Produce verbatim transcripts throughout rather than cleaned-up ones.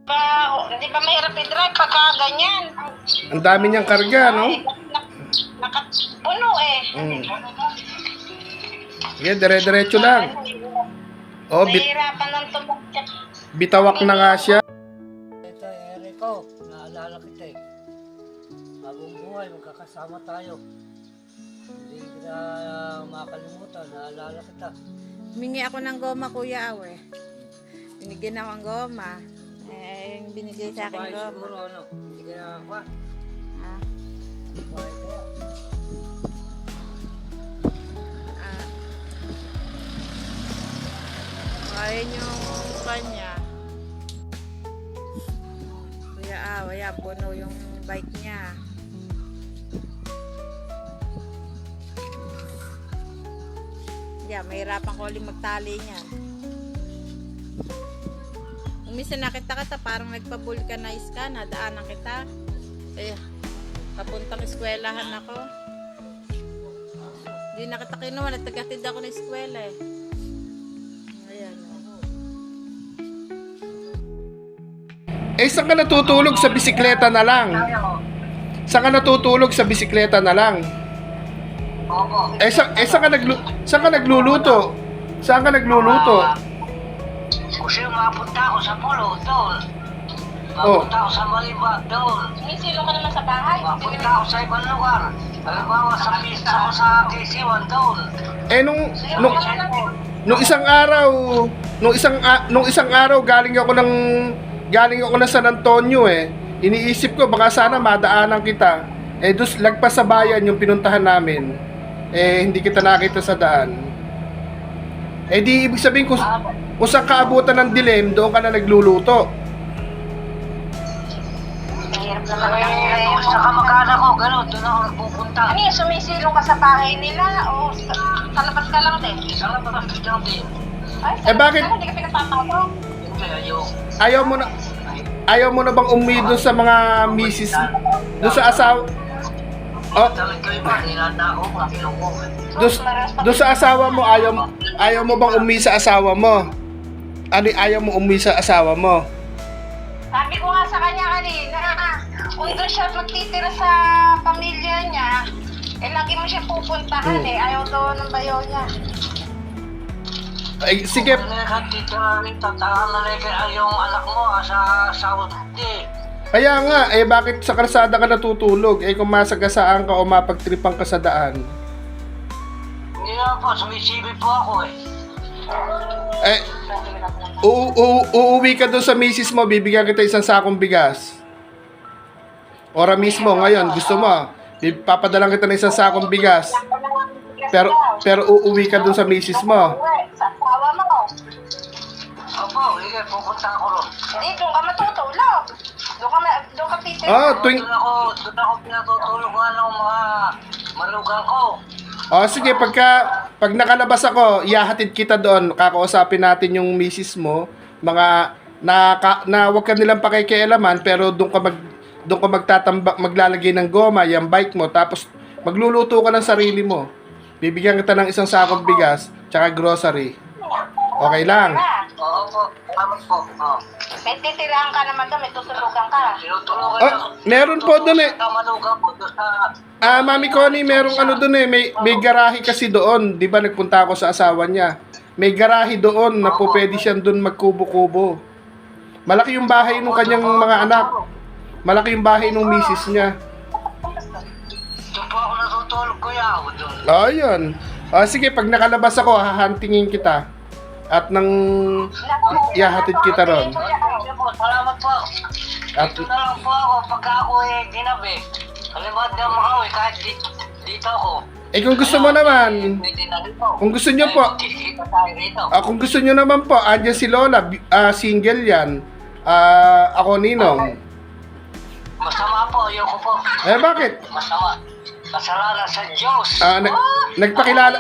Ba, hindi ba mahirap i-drive pagka ganyan? Ang dami niyang karga, no? Ay, nak- Nakapuno eh. Mm. Sige, dire-diretso lang. Oh, bit Nahihirapan ng tumakit. bitawak na nga siya. Ito, Erico, naalala kita eh. Habang buhay, magkakasama tayo. Hindi kita makalimutan, naalala kita. Humingi ako ng goma, Kuya Awe. Binigyan ako ng goma. Eh, yung binigay sa akin Bahay goma. siguro, ano, hindi ka nakakuha. Ha? Bahay kaya. Ah. Kain yung kanya. Kuya Awe, yan, puno yung bike niya. Yeah, mahirapan ko ulit magtali niyan. Umisa nakita kita, parang nagpa-vulcanize ka, nadaanan kita. Eh, papuntang eskwelahan ako. Hindi na kita kinuha, natagatid ako ng eskwela eh. Ayan. Eh, saan ka natutulog sa bisikleta na lang? Saan ka natutulog sa bisikleta na lang? Opo. Eh, sa, eh saan, ka naglu saan ka nagluluto? Saan ka nagluluto? Kasi mapunta ako sa pulo doon. Oh. Mapunta ako sa Maliba doon. May silong ka naman sa bahay. Mapunta ako sa ibang lugar. Halimbawa sa pista ako sa K C one doon. Eh, nung, nung, nung isang araw, nung isang, a- nung isang araw, galing ako ng, galing ako ng San Antonio eh. Iniisip ko, baka sana madaanan kita. Eh, dus, lagpas sa bayan yung pinuntahan namin. Eh, hindi kita nakita sa daan. Eh, di ibig sabihin, kung, kung saan kaabutan ng dilim, doon ka na nagluluto. Mahirap naman kasi. Gusto ka magkana ko, gano'n. Doon ako nagpupunta. Ano yun, sumisilong ka sa bahay nila? O sa, sa labas ka lang din? Sa labas ka lang din. Ay, sa Eh, labas bakit? ka lang, hindi ka pinapapasok. Hindi, ayaw. Ayaw mo na, ayaw mo na bang umuwi doon sa mga misis, doon sa asawa, oh, Talaga iba, nilanda ako, makilong ko. doon, doon sa asawa mo, ayaw, ayaw mo bang umuwi sa asawa mo? Ano, ayaw mo umuwi sa asawa mo? Sabi ko nga sa kanya kanina, kung doon siya magtitira sa pamilya niya, eh lagi mo siya pupuntahan Hmm. eh. Ayaw daw ng bayaw niya. Ay, sige, Kung nagtitira rin, tataan na rin yung anak mo ah, sa Saudi. kaya nga, eh bakit sa kalsada ka natutulog? Eh kung masagasaan ka o mapagtripan ka sa daan. Hindi na po, sumisibi po ako eh. Eh, u- u- uuwi ka doon sa misis mo, bibigyan kita isang sakong bigas. Ora mismo, ngayon, gusto mo, papadalang kita ng isang sakong bigas. Pero, pero uuwi ka doon sa misis mo. Sa asawa mo. Opo, hindi, pupunta ako ron. Hindi, doon ka matutulog. Doon ka, ma- doon ka titira. Ah, tuwing... Doon ako, doon ako pinatutulog ng mga malugang ko. Oh, sige, pagka pag nakalabas ako, ihahatid kita doon. Kakausapin natin yung misis mo, mga na, ka, na wag ka nilang pakikialaman, pero doon ka mag doon ka magtatambak, maglalagay ng goma yung bike mo, tapos magluluto ka ng sarili mo. Bibigyan kita ng isang sakong bigas, tsaka grocery. Okay lang. Oo po, tama po. Oo. May titirahan ka naman doon, may tutulugan ka. Tinutulugan Oh, meron po doon eh. Malugang po doon sa... Ah, Mami Connie, merong ano doon eh, may may garahe kasi doon. 'Di ba nagpunta ako sa asawa niya. May garahe doon na po pwede siyang doon magkubo-kubo. Malaki yung bahay ng kanyang mga anak. Malaki yung bahay ng misis niya. Doon po ako natutulog kuya ako doon. Ayun. Ah, sige, pag nakalabas ako, hahantingin kita. At nang ihahatid kita ron. Salamat po. At Dito na lang po ako pagka ako eh ginabi. Halimbawa na makawi kahit dito, dito ako. eh kung gusto mo naman, May dinali po. kung gusto niyo po, Kikita tayo rito. ah, kung gusto niyo naman po, andyan si Lola, bi- ah, single 'yan. Ah, ako Ninong. Masama po, ayoko po. Eh bakit? Masama. Kasalanan sa Diyos. Ah, nag, nagpakilala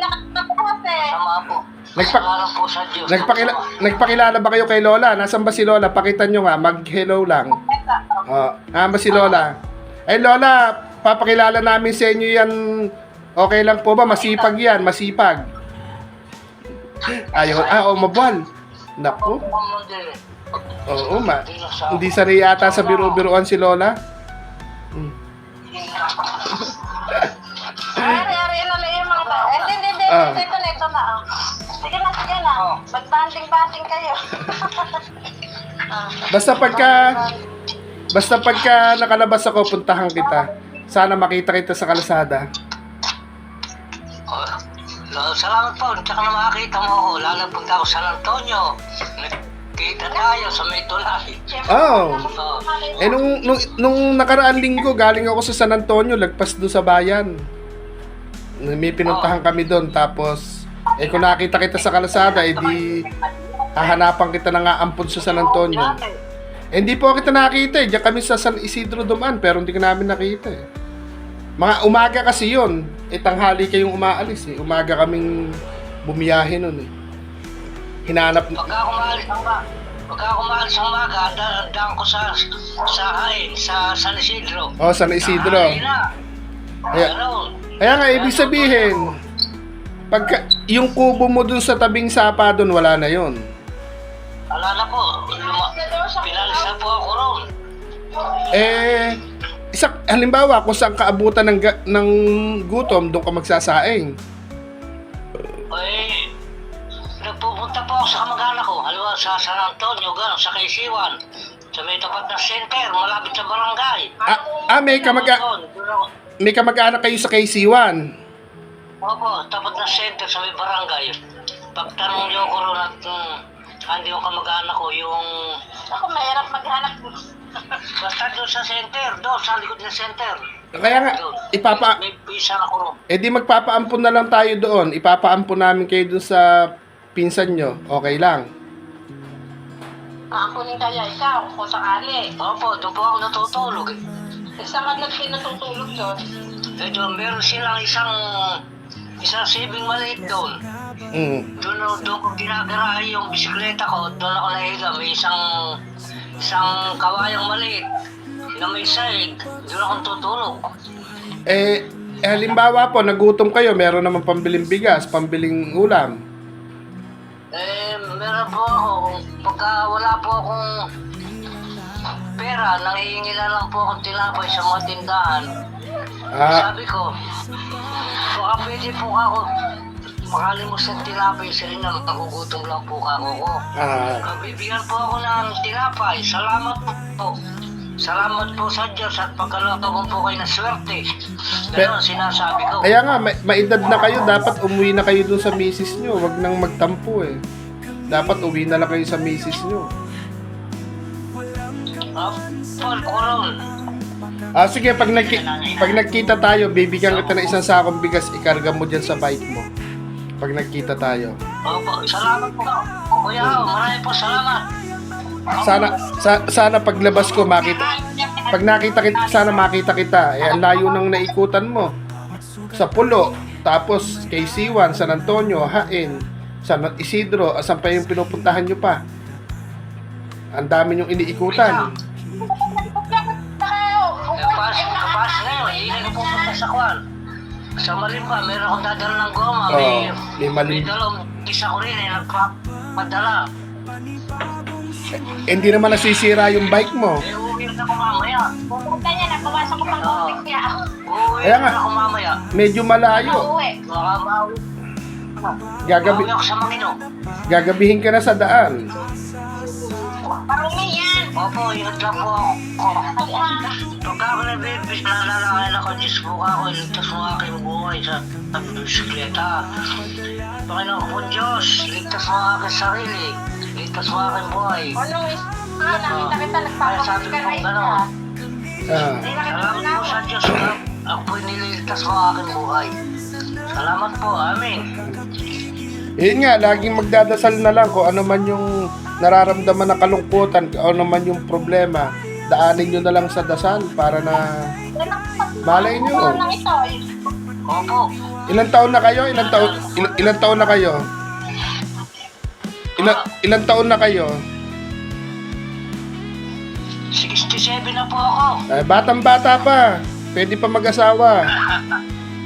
Masama po. Nagpa- Kasalanan po sa Diyos. nagpakila, nagpakilala ba kayo kay Lola? Nasaan ba si Lola? Pakita nyo nga, mag-hello lang. Oh, ah, ba si Lola? Ay Lola, papakilala namin sa inyo yan. Okay lang po ba? Masipag yan, masipag. Ayaw, ah, oh, mabuhal. Naku. Opo, Oo, ma. Hindi na sa... Hindi sanay yata sa biro-biroan si Lola. Hmm. Ay, ari, ano na yung mga tao. Hindi, hindi, hindi. Ah. Ito na, ito na. oh. Sige na, sige na. Mag-banding-banding kayo. Ah. Basta pagka basta pagka nakalabas ako, puntahan kita. Sana makita kita sa kalsada. Oh, no, salamat po. Tsaka na makakita mo ako. Lalo pagka ako San Antonio. Nagkita tayo sa may tulay. Oh. Oh. Eh nung, nung, nung nakaraan linggo, galing ako sa San Antonio, lagpas doon sa bayan. May pinuntahan kami doon, tapos eh kung nakita kita sa kalsada, eh di hahanapan kita na nga ampun sa San Antonio. Eh, hindi po kita nakita eh. Diyan kami sa San Isidro dumaan, pero hindi ka namin nakita eh. Mga umaga kasi yun. Eh, tanghali kayong umaalis eh. Umaga kaming bumiyahe nun eh. Hinanap... Pagka kumaalis ang ba? Pagka kumaalis ang umaga, dadaan ko sa sa Hain, sa San Isidro. Oh, San Isidro. Hain na. Kaya, Ano? kaya nga, ibig sabihin, pagka, yung kubo mo dun sa tabing sapa dun, wala na yon. Wala na po. Luma, pinalis na po ako ron. Eh, isa, halimbawa, kung saan kaabutan ng, ga- ng gutom, doon ka magsasaing. Eh, nagpupunta po ako sa kamag-anak ko. Halimbawa sa San Antonio, gano'n, sa Kaisiwan. Sa may tapat na center, malapit sa barangay. Ah, ah may, kamag- Doon, doon ako. may kamag-anak kayo sa K C one. Opo, tapat na center sa may barangay. Pagtanong niyo ko ron at um, hindi ko kamag-anak ko yung... Ako, mahirap maghanap. Basta doon sa center, doon sa likod ng center. Kaya nga, Doon. ipapa... May pisa na ko ron. Eh di magpapaampun na lang tayo doon. Ipapaampun namin kayo doon sa pinsan nyo. Okay lang. Aampunin kaya ikaw kung sakali. Opo, doon po ako natutulog. Eh, saan ka nagsin natutulog doon? Eh, doon, meron silang isang isang sibing maliit doon. Mm. Doon, doon ko ginagarahe yung bisikleta ko. Doon ako nahiga. May isang isang kawayang maliit na may sahig. Doon ako tutulog. Eh, eh, halimbawa po, nagutom kayo, meron naman pambiling bigas, pambiling ulam. Eh, meron po ako. Pagka wala po akong pera, nangihingi na lang po akong tinapay sa mga tindahan. Ah, Sabi ko, baka pwede po ako makalimos ng tinapay sa inyo. Nagugutom lang po ako ko. ah, Bibigyan po ako ng tinapay. Salamat po. Salamat po sa Diyos at pagkalooban po kayo ng swerte. Ganun sinasabi ko. kaya nga, may, maedad na kayo, dapat umuwi na kayo doon sa misis nyo. Wag nang magtampo eh. Dapat uwi na lang kayo sa misis nyo. Ah, Paul Coron. Ah, sige, pag, nagki- pag nagkita tayo, bibigyan kita ng isang sakong bigas, ikarga mo dyan sa bike mo. Pag nagkita tayo. Opo, salamat po. Kuya, marami po salamat. Sana, sa, sana paglabas ko, makita, pag nakita kita, sana makita kita. Eh, ang layo ng naikutan mo. Sa Pulo, tapos K C one, San Antonio, Hain, San Isidro, asan pa yung pinupuntahan nyo pa? Ang dami yung iniikutan. Kapas, kapas na yun. Hindi na pupunta sa kwan. Sa Malimba, meron akong dadala ng goma. Oo, May, may Malim- may dalawang isa ko rin eh, nagpapadala. Eh, hindi naman nasisira yung bike mo. Eh, uuwi na ako mamaya. Pupunta niya, nagbawasan ko pang Oo. tubig niya. Uuwi Kaya na nga. ako mamaya. Medyo malayo. Uuwi. Baka mauwi. Gagabi, Mauwi ako sa Manino. gagabihin ka na sa daan. Parumi yan. Opo, ingat lang po ako. Pagka ako nabibis, nalalakayan ako, Diyos po ako, iligtas mo aking buhay sa sa bisikleta. Panginoon ko po Diyos, ligtas mo aking sarili, ligtas mo aking buhay. Ano, is, ah, nakita kita, Kaya sabi nagpapakit ka ko na gano'n. Ah. Hindi nakita ko Salamat na po ako. sa Diyos na ako po'y nililigtas mo aking buhay. Salamat po, amin. Yun nga, laging magdadasal na lang kung ano man yung nararamdaman na kalungkutan, kung ano man yung problema, daanin nyo na lang sa dasal para na malay nyo. Ano lang ito, eh. Opo, Ilang taon na kayo? Ilang taon, il- ilang taon na kayo? Ilang, ilang taon na kayo? sixty-seven na po ako. Eh, batang-bata pa. Pwede pa mag-asawa.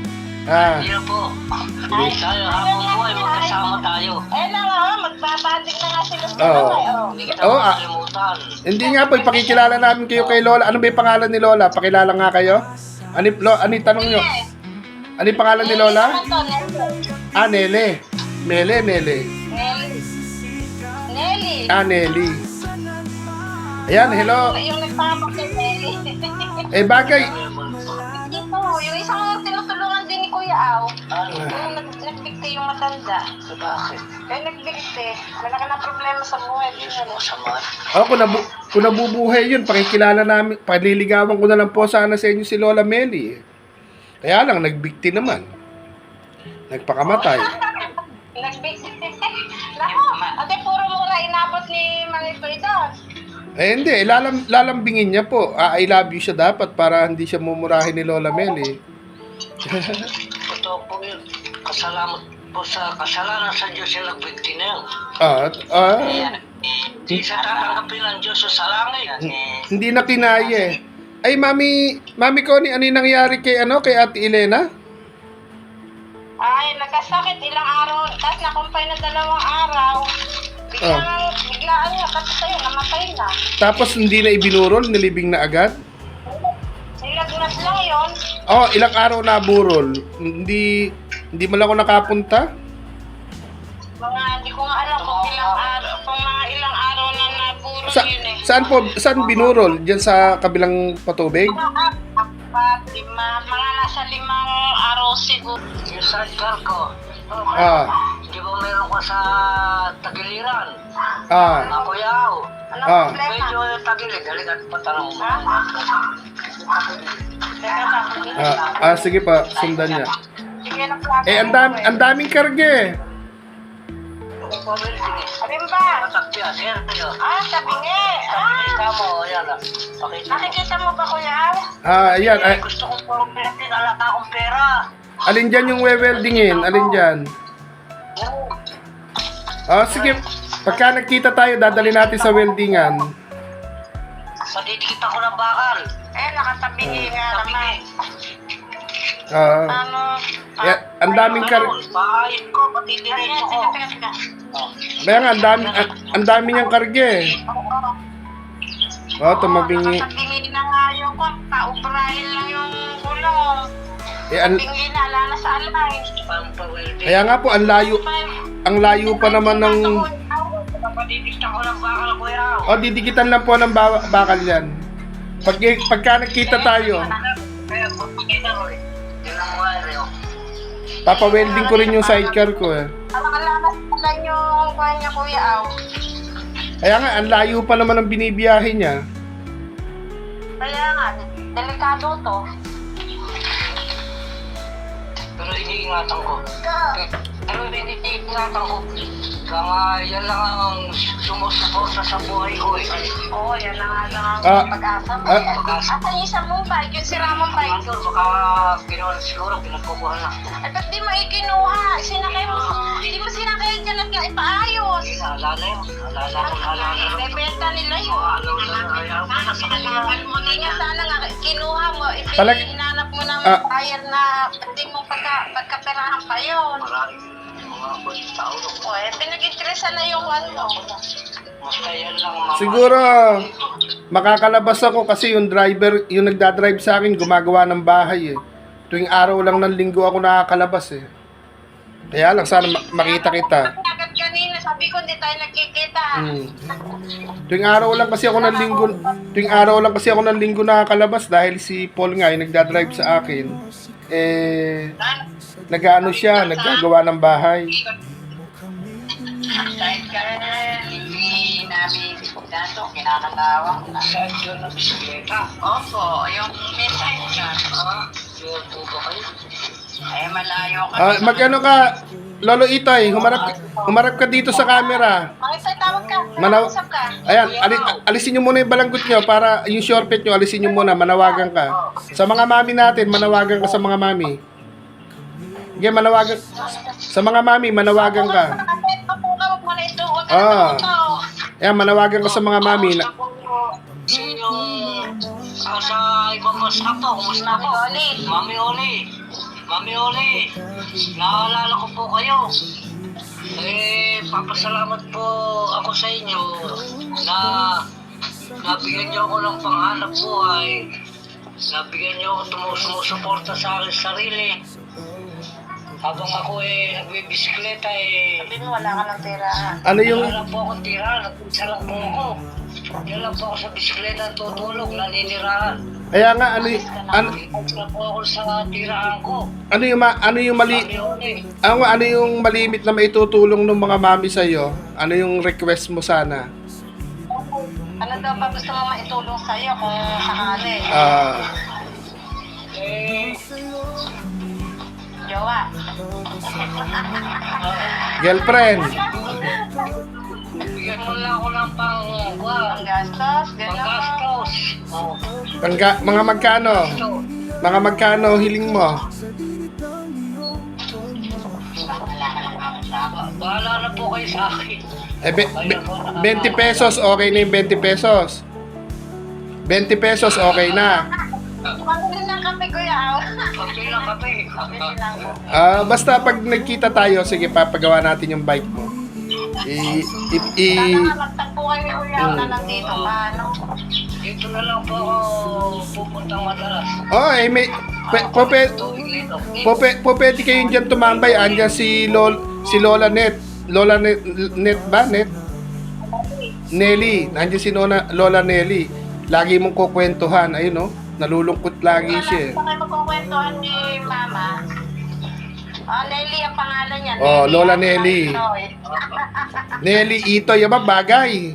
Ah, Hindi na po. Tayo, habang buhay, magkasama tayo. Eh na nga, magbabandig na nga sila sa Oo. kamay. Oh. Hindi kita Oo, ah. makalimutan. hindi nga po, ipakikilala namin kayo kay Lola. Ano ba yung pangalan ni Lola? Pakilala nga kayo. Ano, lo, ano yung tanong nyo? Ano yung pangalan ni Lola? Ano to, Nelly? Ah, Nele. Mele, Nele. Nelly. Nelly. Ah, Nelly. Ayan, hello. Yung nagpapak kay Nelly. Eh, bagay. Dito, yung isang tinutulungan din ni Kuya Au. Yung nag nagbigti yung matanda. Bakit? Kaya nagbigti. Malaki na problema sa buhay. Di na Masama. Oh, kung, nabu kung nabubuhay yun, pakikilala namin, paliligawan ko na lang po sana sa inyo si Lola Meli. Kaya lang, nagbikti naman. Nagpakamatay. Nagbigti. Nako, ate puro mura inabot ni Manito doon. Eh, hindi. Lalam, lalambingin niya po. Ah, I love you siya dapat para hindi siya mumurahin ni Lola Meli. Totoo po yun. Kasalamat po sa kasalanan sa Diyos yung nagbigti na yun. Ah, ah, Hindi sa tatanggapin ng Diyos sa langit. hindi na kinaya eh. Ay, Mami, Mami Connie, ano yung nangyari kay, ano, kay Ate Elena? Ay, nagkasakit ilang araw. Tapos nakumpay na dalawang araw. Biglang, biglaan niya kasi sa'yo, namatay na. Tapos hindi na ibinurol, nilibing na agad? Nilagnat lang yun. Oh, ilang araw na burol. Hindi, hindi mo lang ako nakapunta? Mga, hindi ko nga alam kung ilang araw, kung mga ilang araw na naburo Sa, yun eh. saan po, saan binurol? Diyan sa kabilang patubig? Mga apat, lima, mga nasa limang araw siguro. Yung sidecar ko. Ah, Di ba meron ka sa tagiliran? ah, Na kuyaw. Ano Ah. problema? Medyo yung tagilid. Halika't patanong mo. Teka lang. ah, ah, sige pa, sundan niya. Sige na plaka. Eh, ang dami, ang daming karge. Alin ba? Matakpiya, sir. Tayo. Ah, sabi nga. Ah, Pakita mo. Ayan ah. Pakita mo. nakikita mo ba kuya? Ah, ayan, ay, Gusto kong pumpitin. Ala ka akong pera. alin dyan yung weweldingin? Alin dyan? Ah, sige, pagka nagkita tayo, dadali natin sa weldingan. Padidikit ako ng bakal. Eh, nakatabingi nga naman. Ah, Ano? eh, ang daming karge. Bahayin ko. Pati Ayan, diretso ko. teka, teka, teka. Kaya nga, ang dami, ang, ang dami niyang karge. Oh, tumabingi. Nakatabingi na nga yung ko. Paubrahin lang yung gulong. Eh, ang, Bingi na, ala na sa alay. Pampawelde. kaya nga po, ang layo, ang layo pa naman ng... Padidikit ako ng bakal, kuya. Oh, didikitan lang po ng ba- bakal yan. Pag, pagka nagkita tayo, Kaya pagkita ko eh. Tingnan mo nga rin. oh. papawelding ko rin yung sidecar ko eh. Alak-alakas pala yung kuha niya kuya Au. Kaya nga, ang layo pa naman ang binibiyahe niya. Kaya nga, delikado to. Pero iniingatan ko. Pero iniingatan ko. Kaya nga, yan lang ang sumusuporta sa buhay ko eh. Oo, yan na nga lang ang Ah, pag-asa mo. ah, Pag-asa. At yung isa mong bike, yung si Ramon bike. Andun, baka kinuha na siguro, pinagkukuha na. At ba't di mo ikinuha? Sinakay mo. Hindi mo sinakay dyan at nga ipaayos. Eh, naalala yun. Naalala ko, naalala ko. Ibebenta nila yun. Ano na, ayaw ko na sa kanila. Hindi nga sana nga, kinuha mo, Talag- ipinanap mo ng Ah. buyer na pati mo pagka, pagkaperahan pa yun. Maraming mga kulit tao. O eh, pinag-interesan na yung ano mo. Basta yan lang, mama. Siguro, makakalabas ako kasi yung driver, yung nagdadrive sa akin, gumagawa ng bahay eh. Tuwing araw lang ng linggo ako nakakalabas eh. Kaya lang, sana ma- makita kita. Agad kanina, sabi ko hindi tayo nagkikita. Hmm. Tuwing araw lang kasi ako ng linggo, tuwing araw lang kasi ako ng linggo nakakalabas dahil si Paul nga yung nagdadrive sa akin. Eh, nag-ano siya, naggagawa ng bahay. Dahil ka hindi namin dato, kinakalawa ko na. Saan yun na bisikleta? Opo, yung message ka. Ah, yun po ba kayo? Eh, malayo ka. Ah, mag-ano ka, Lolo Itoy, humarap, humarap ka dito sa camera. Makita, tawag ka. Manaw- Usap ka. Ayan, ali- alisin nyo muna yung balanggot nyo para yung shortcut nyo, alisin nyo muna, manawagan ka. Sa mga mami natin, manawagan ka sa mga mami. Sige, manawagan. Sa mga mami, manawagan ka. Kapit mo po ka, huwag mo na isuot. Ah. Ayan, manawagan ka sa mga mami. Na, Yung ah, sa ibang bansa po, kumusta po? Mami Oli. Mami Oli. Mami Oli, naalala ko po kayo. Eh, papasalamat po ako sa inyo na nabigyan niyo ako ng panghanap buhay. Nabigyan niyo ako tumu- sumusuporta sa akin sarili. Habang ako eh, nagbibisikleta eh, Sabi mo, wala ka ng tira. Ano yung wala lang po akong tira, nagpinsa lang po ako. Diyan lang po ako sa bisikleta tutulog, naninirahan. kaya nga ano y- ano, Nagpinsa lang po ako sa tirahan ko. ano yung ma- ano yung mali Mami Oli. ano, ano yung malimit na maitutulong ng mga mami sa iyo? Ano yung request mo sana? Ano daw ba gusto mo maitulong sa'yo kung sakali? Ah, Eh, Jowa. girlfriend. bigyan mo lang ako ng pang, Ang gastos, gano'n. panggastos. Oh, Pangga, mga magkano? ito. Mga magkano hiling mo? Ba- Bahala na po kayo sa akin. Eh, be, be- twenty pesos, okay na yung twenty pesos. twenty pesos, okay na. Pagpili ng kape, kuya. Pagpili ng kape. Pagpili lang po. Ah, basta pag nagkita tayo, sige, papagawa natin yung bike mo. I, i, i, Sana nga magtagpo kayo, kuya, na nandito ka, ano? Dito na lang po ako pupuntang madalas. oh, eh, may, pe, po, pe, Tuwing lito. po, pe, po, pwede kayong dyan tumambay. Andyan si, Lol, si Lola Net. Lola Net, Net ba? Net? Nelly. Andyan si Lola, Lola Nelly. Lagi mong kukwentuhan. Ayun, no? Nalulungkot lagi siya. eh. Wala kayo magkukwentuhan ni Mama. Oh, Nelly ang pangalan niya. Oh, Lola ang Nelly. Itoy. Nelly, ito, yung ba bagay?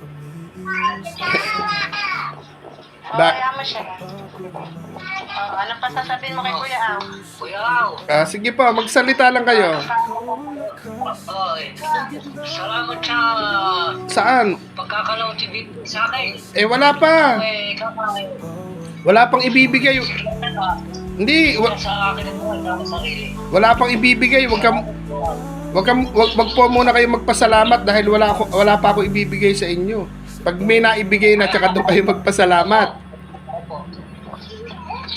Oh, Ba- kaya mo siya. Oh, ano pa sasabihin mo kay Kuya Ang? Kuya Au. Ah, sige po, magsalita lang kayo. Oh, eh. Salamat sa Saan? pagkakalaw T V sa akin. Eh, wala pa. Eh, kakain. Wala pang ibibigay. Hindi, wa- Sa akin ang sarili. wala pang ibibigay. Wag ka wag ka wag, wag po muna kayo magpasalamat dahil wala ako wala pa ako ibibigay sa inyo. Pag may naibigay na tsaka doon kayo magpasalamat.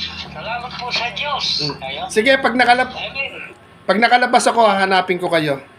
Salamat po sa Diyos. Sige, pag nakalab Amen. pag nakalabas ako, hahanapin ko kayo.